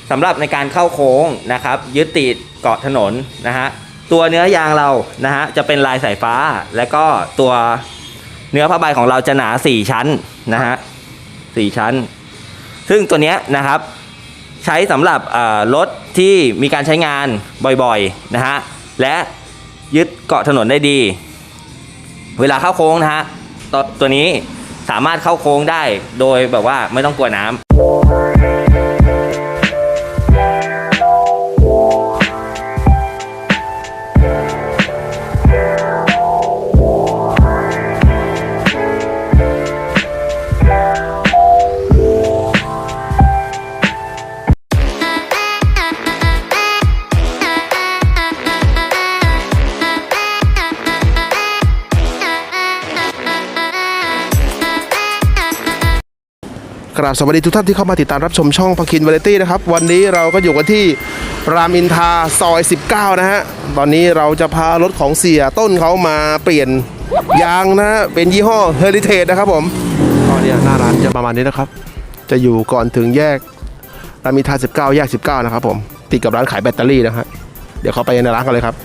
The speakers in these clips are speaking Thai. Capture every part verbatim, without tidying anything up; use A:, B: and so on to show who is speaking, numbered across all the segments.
A: สำหรับในการเข้าโค้งนะครับยึดติดเกาะถนนนะฮะตัวเนื้อยางเรานะฮะจะเป็นลายสายฟ้าและก็ตัวเนื้อผ้าใบของเราจะหนาสี่ชั้นนะฮะสี่ชั้นซึ่งตัวเนี้ยนะครับใช้สำหรับรถที่มีการใช้งานบ่อยๆนะฮะและยึดเกาะถนนได้ดีเวลาเข้าโค้งนะฮะตตัวนี้สามารถเข้าโค้งได้โดยแบบว่าไม่ต้องกลัวน้ำ
B: กราบสวัสดีทุกท่านที่เข้ามาติดตามรับชมช่องพคินวาไรตี้นะครับวันนี้เราก็อยู่กันที่รามอินทราซอยสิบเก้านะฮะตอนนี้เราจะพารถของเสียต้นเขามาเปลี่ยนยางนะเป็นยี่ห้อ Heritage นะครับผมตอนนี้หน้าร้านจะประมาณนี้นะครับจะอยู่ก่อนถึงแยกรามอินทราสิบเก้าแยกสิบเก้านะครับผมติดกับร้านขายแบตเตอรี่นะครับเดี๋ยวเขาไปในร้านกันเลยครับ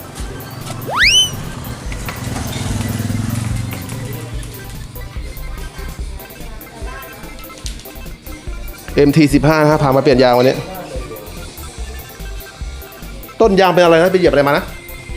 B: เอ็ม ที สิบห้า นะครับพามาเปลี่ยนยางวันนี้ต้นยางเป็นอะไรนะไปเหยียบอะไรมานะ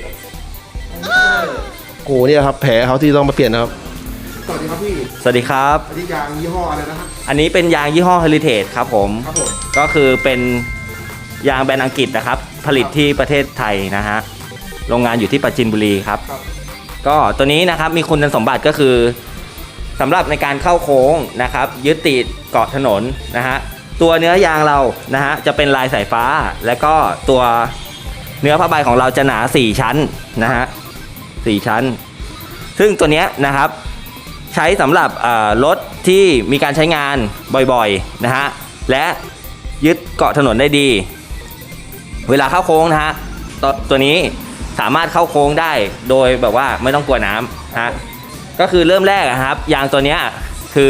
B: โอ้โหนี่ครับแผลเขาที่ต้องมาเปลี่ยนนะครับสวัสดีครับพี่
A: สวัสดีครับ
B: อันนี้ยางยี่ห้ออะไรนะครับ
A: อันนี้เป็นยางยี่ห้อ Heritage ครับผม
B: ครับผม
A: ก็คือเป็นยางแบรนด์อังกฤษนะครับผลิตที่ประเทศไทยนะฮะโรงงานอยู่ที่ปราจีนบุรีครับก็ตัวนี้นะครับมีคุณสมบัติก็คือสำหรับในการเข้าโค้งนะครับยึดติดเกาะถนนนะฮะตัวเนื้อยางเรานะฮะจะเป็นลายสายฟ้าและก็ตัวเนื้อผ้าใบของเราจะหนาสี่ชั้นนะฮะสี่ชั้นซึ่งตัวเนี้ยนะครับใช้สำหรับรถที่มีการใช้งานบ่อยๆนะฮะและยึดเกาะถนนได้ดีเวลาเข้าโค้งนะฮะตตัวนี้สามารถเข้าโค้งได้โดยแบบว่าไม่ต้องกลัวน้ำฮะก็คือเริ่มแรกครับยางตัวนี้คือ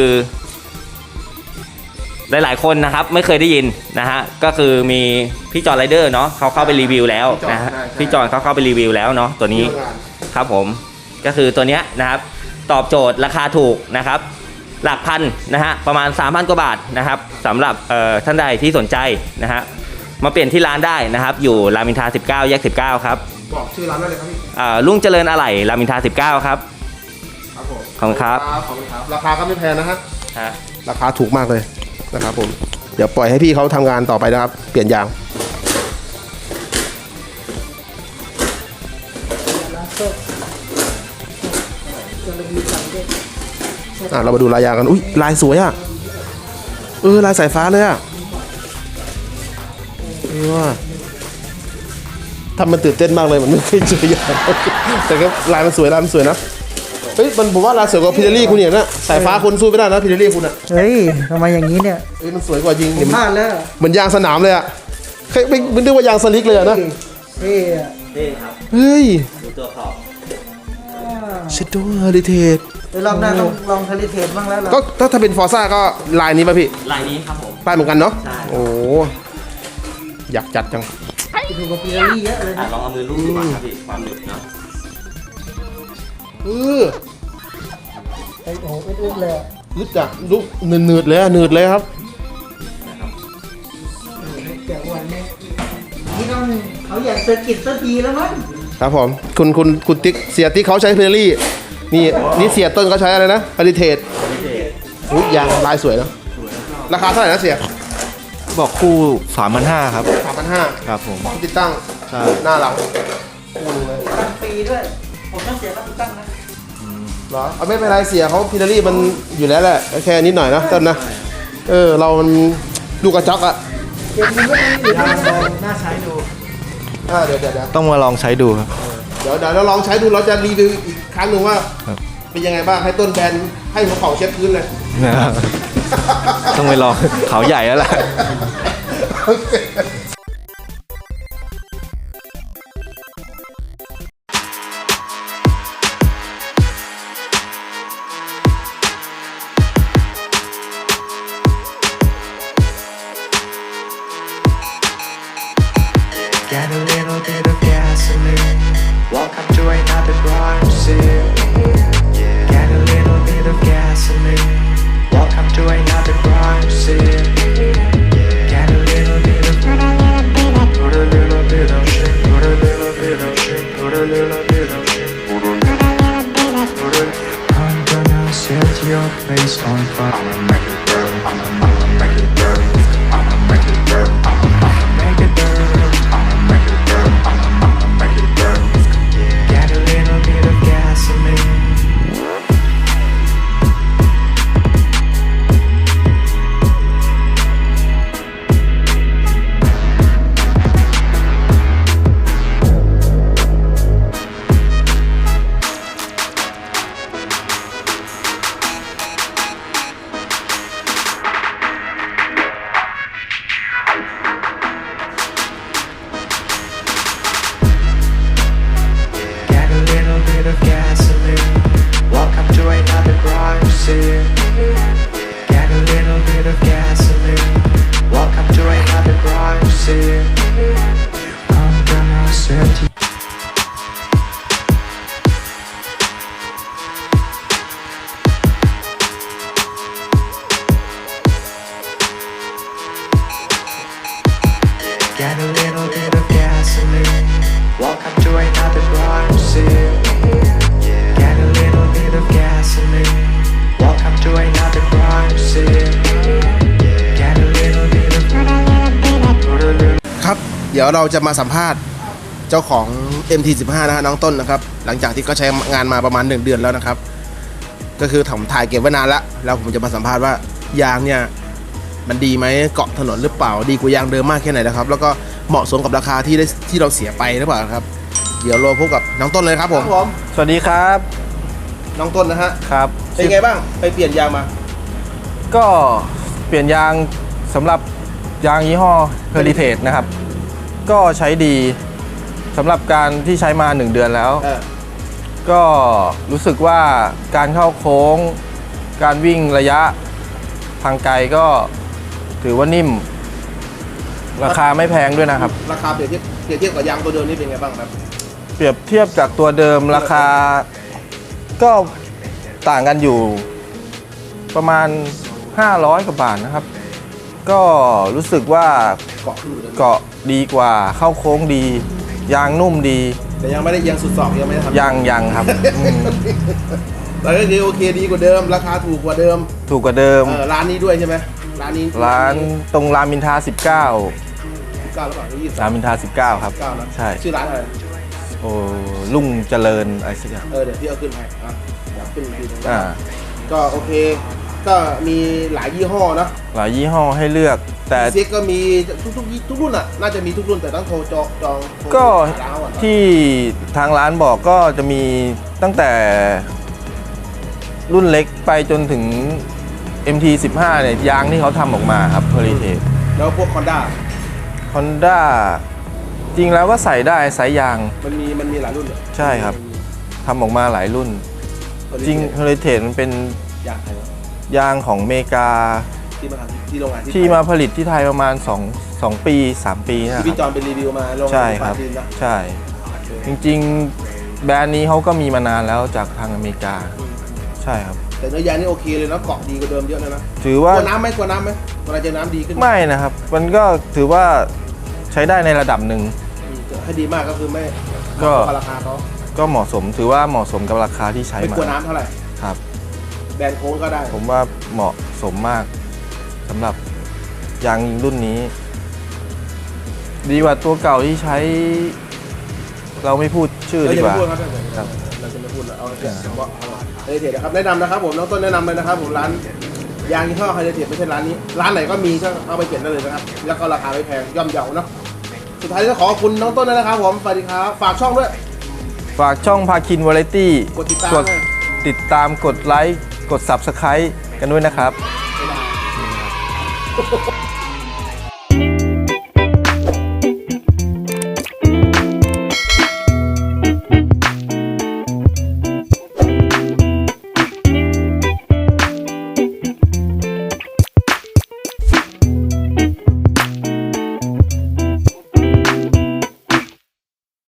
A: หลายๆคนนะครับไม่เคยได้ยินนะฮะก็คือมีพี่จอร์ไรเดอร์เนาะเขาเข้าไปรีวิวแล้วนะฮะพี่จอร์เขาเข้าไปรีวิวแล้วเนาะตัวนี้ครับผมก็คือตัวนี้นะครับตอบโจทย์ราคาถูกนะครับหลักพันนะฮะประมาณ สามพัน กว่าบาทนะครับสำหรับท่านใดที่สนใจนะฮะมาเปลี่ยนที่ร้านได้นะครับอยู่รามอินทราสิบเก้าแยกสิบเก้าครับ
B: บอกชื่อร้านได้เลยครับพี่
A: ลุงเจริญอะไหล่รามอินทราสิบเก้าครับขอบคุณครับ
B: ราคาก็ไม่แพงนะฮะราคาถูกมากเลยนะครับผมเดี๋ยวปล่อยให้พี่เขาทำงานต่อไปนะครับเปลี่ยนยางอ่ะเรามาดูลายยางกันอุ้ยลายสวยอ่ะเออลายสายฟ้าเลยอ่ะเออทำมันตื่นเต้นมากเลยมันไม่เคยเจอยางแต่ก็ลายมันสวยลายมันสวยนะเฮ้ยมันผมว่าลายสวยกว่าพิเดลี่คุณเนี่ยนะสายฟ้าคุณสู้ไม่ได้นะพิเดลี่คุณอ่ะ
C: เฮ้ยทำไมอย่างนี้เนี่ย
B: เฮ้ยมันสวยกว่าจริง
C: ผมพลาดแล้ว
B: เหมือนยางสนามเลยอ่ะใครไม่ไม่นึกว่ายางสลิกเลยนะ
C: เฮ้ย
A: เท่ครับ
B: เฮ้ย
A: ดูตัวขอบ
B: เชดโดเฮอริเทจ
C: เดี๋ยวรอบหน้าต้องลองเฮอริเทจบ้างแล้ว
B: ก็ถ้าถ้าเป็นฟอร์ซ่าก็ลายนี้ป่ะพี่
A: ลายนี้ครับผม
B: ลายเหมือนกันเนาะ
A: ใช่
B: โอ้อยากจัดจัง
C: ถูกกับพิเดลี่เยอะเลย
A: ลองเอามือลูบดูก่อนครับพี่ความหนึบเนาะ
B: เออ
C: โอ้โหอึดๆเลย
B: อึดอ่ะลุกเนืดๆเลยเนืดเลยครับ
C: แกะวันนี้นี่ต้องเขาอยากเซอร์กิตสักทีแล้วมั้ง
B: ครับผมคุณคุณคุณติ๊กเสียติ๊กเขาใช้พิเดลี่นี่นี่เสียต้นเขาใช้อะไรนะเฮอริเทจอุ้ยยางลายสวยนะราคาเท่าไหร่นะเสีย
D: บอกคู่ สามพันห้าร้อย ครับ
B: สามพันห้าร้อย
D: ครับผม
B: ติดตั้งหน้าหลังคู่นึงเลย
C: ตั้งปีด้วยผมต้องเสียค่าติดตั้งนะ
B: เหรอเอาไม่เป็นไรเสียเขาพิเดลี่มันอยู่แล้วแหละแค่นิดหน่อยนะต้นนะเออเรามันดูกระจกอะ
C: เดี๋ยวมึงก็ไม่ได้น่าใช้ดู
B: อ่าเดี๋ยวเดี๋ยว
D: ต้องมาลองใช้ดูครับ
B: เดี๋ยวเดี๋ยวเราลองใช้ดูเราจะรีวิวอีกครั้งหนึ่งว่าเป็นยังไงบ้างให้ต้นแบนให้หัวเข่าเช็ดพื้นเลย
D: ต้องไปลองเขาใหญ่แล้วล่ะ
E: Get a little bit of gasoline. Welcome to another crime scene. Get a little bit of gasoline. Welcome to another crime scene. Get a little bit of put a little bit of shit, put a little bit of shit, put a little bit of shit, put a little bit of shit. I'm gonna set your face on fire. I'ma make it burn. I'ma, I'ma make it burn. I'ma make it burn. I'ma, I'ma make it burn. I'ma make it burn. I'ma, I'ma make it burn. Get a little bit of gasoline. Get a little bit of gasoline. Welcome to another crime scene. Get a little bit of gasoline. Welcome to another crime scene. I'm gonna set you. Get a little bit of gasoline. Welcome to another crime scene. Get a little bit of gasoline. Welcome to another crime scene. Get a little bit of put a little
B: ครับ เดี๋ยวเราจะมาสัมภาษณ์เจ้าของ เอ็ม ที สิบห้า นะฮะน้องต้นนะครับ หลังจากที่เขาใช้งานมาประมาณหนึ่งเดือนแล้วนะครับ ก็คือผมถ่ายเก็บไว้นานแล้วแล้วผมจะมาสัมภาษณ์ว่ายางเนี่ยมันดีไหมเกาะถนนหรือเปล่าดีกว่ายางเดิมมากแค่ไหนนะครับ แล้วก็เหมาะสมกับราคาที่ได้ที่เราเสียไปหรือเปล่าครับ เดี๋ยวเราพบกับน้องต้นเลยครับผมผม
D: สวัสดีครับ
B: น้องต้นนะฮะ
D: ครับ
B: เป็นไงบ้างไปเปลี่ยนยางมา
D: ก็เปลี่ยนยางสำหรับยางยี่ห้อ Heritage นะครับ ก็ใช้ดีสำหรับการที่ใช้มาหนึ่งเดือนแล้ว
B: เออ
D: ก็รู้สึกว่าการเข้าโค้ง การวิ่งระยะทางไกลก็ถือว่านิ่ม ราคาไม่แพงด้วยนะครับ
B: ราคาเปรียบเทียบเปรียบเทียบกับยางตัวเดิมนี่เป็นไงบ้างครับ
D: เปรียบเทียบจากตัวเดิมราคาก็ต่างกันอยู่ประมาณห้าร้อยกว่าบาทนะครับ ก็รู้สึกว่า
B: เกาะขึ้นอยู่เดิม
D: เกาะดีกว่าเข้าโค้งดี ยางนุ่มดี
B: แต่ยังไม่ได้เอียงสุดศอกยังไม่ได้ทำ
D: ยังยังครับอืม
B: แต่ก็คือโอเคดีกว่าเดิม ราคาถูกกว่าเดิม
D: ถูกกว่าเดิม
B: เออร้านนี้ด้วยใช่ไหมร้านนี้
D: ร้านตรงรามอินทราสิบเก้า
B: สิบเก้าหรือเปล่ายี่สิบ
D: รามอินทราสิบเก้าครับ
B: เก้านะ
D: ใช่
B: ชื่อร้านอะไร
D: โอ้ลุ่งเจริญอะไรสักอย่าง
B: เออเดี๋ยวพี่เอาขึ้นให้อ่ะเดี๋ยวขึ้นอีกทีหนึง
D: อ่า
B: ก็โอเค ก็มีหลายยี่ห้อนะ
D: หลายยี่ห้อให้เลือก แต่
B: เซ็กก็มีทุกทุกทุกรุ่นอ่ะน่าจะมีทุกรุ่นแต่ต้องโทรจองจองโทร
D: ก็
B: หาร้านก่อน
D: ที่ทางร้านบอกก็จะมีตั้งแต่รุ่นเล็กไปจนถึง เอ็ม ที สิบห้า เนี่ยยางที่เขาทำออกมาครับ Heritage
B: แล้วพวกคอนด้า
D: Honda จริงแล้วก็ใส่ได้ไซส์ยาง
B: มันมีมันมีหลายรุ่นเลย
D: ใช่ครับทำออกมาหลายรุ่น จริง Heritage มันเป็น
B: ยางไทยวะ
D: ยางของอเมริกา
B: ที่มาทำที่โรงงานที่
D: ที่
B: ไทย
D: มาผลิตที่ไทยประมาณ2 2ปี 3 ปีนะค
B: ที่พี่จ
D: รับ
B: อนไปรีวิวมาโรงงาน
D: ใช่ครับ
B: ปาจีนนะ
D: ใช่ จริงๆ แบรนด์นี้เขาก็มีมานานแล้วจากทางอเมริกา ใช่ครับ
B: แต่เนื้อยางนี่โอเคเลยนะเกาะดีกว่าเดิมเยอะเลยนะ
D: ถือก
B: ลั
D: ว่า
B: วน้ำไหมกลัวน้ำไหมเวลาเจอน้ำดีขึ้น
D: ไม่นะครับ มันก็ถือว่าใช้ได้ในระดับหนึ่ง
B: อืมให้ดีมากก็คือไม่
D: ก็
B: ราคาเขา
D: ก็เหมาะสมถือว่าเหมาะสมกับราคาที่ใช้
B: ไม่
D: มาก
B: ลัวน้ำเท่าไหร่
D: ครับ
B: แบรนด์โค้งก็ได้
D: ผมว่าเหมาะสมมากสำหรับยางรุ่นนี้ ดีกว่าตัวเก่าที่ใช้ เราไม่พูดชื่อ
B: เรา
D: ดี
B: จะ
D: ก
B: ไม่
D: ว่า
B: พูดครับ
D: ครับ
B: เราจะไม่พูดแล้วเอาเฉพาะเฮลิเทจนะครับแนะนำนะครับผมน้องต้นแนะนำเลยนะครับผมร้านยางยี่ห้อเฮลิเทจไม่ใช่ร้านนี้ ร้านไหนก็มีก็เอาไปเก็บได้เลยนะครับแล้วก็ราคาไม่แพงย่อมเยาเนาะสุดท้ายก็ขอขอบคุณน้องต้นด้วยนะครับผมสวัสดีครับฝากช่องด้วย
D: ฝากช่องพาคินวาไรตี้
B: กดติดตาม
D: กด
B: ให้
D: ติดตามกดไลค์ กด Subscribe กันด้วยนะครับ
B: บ๊ายบาย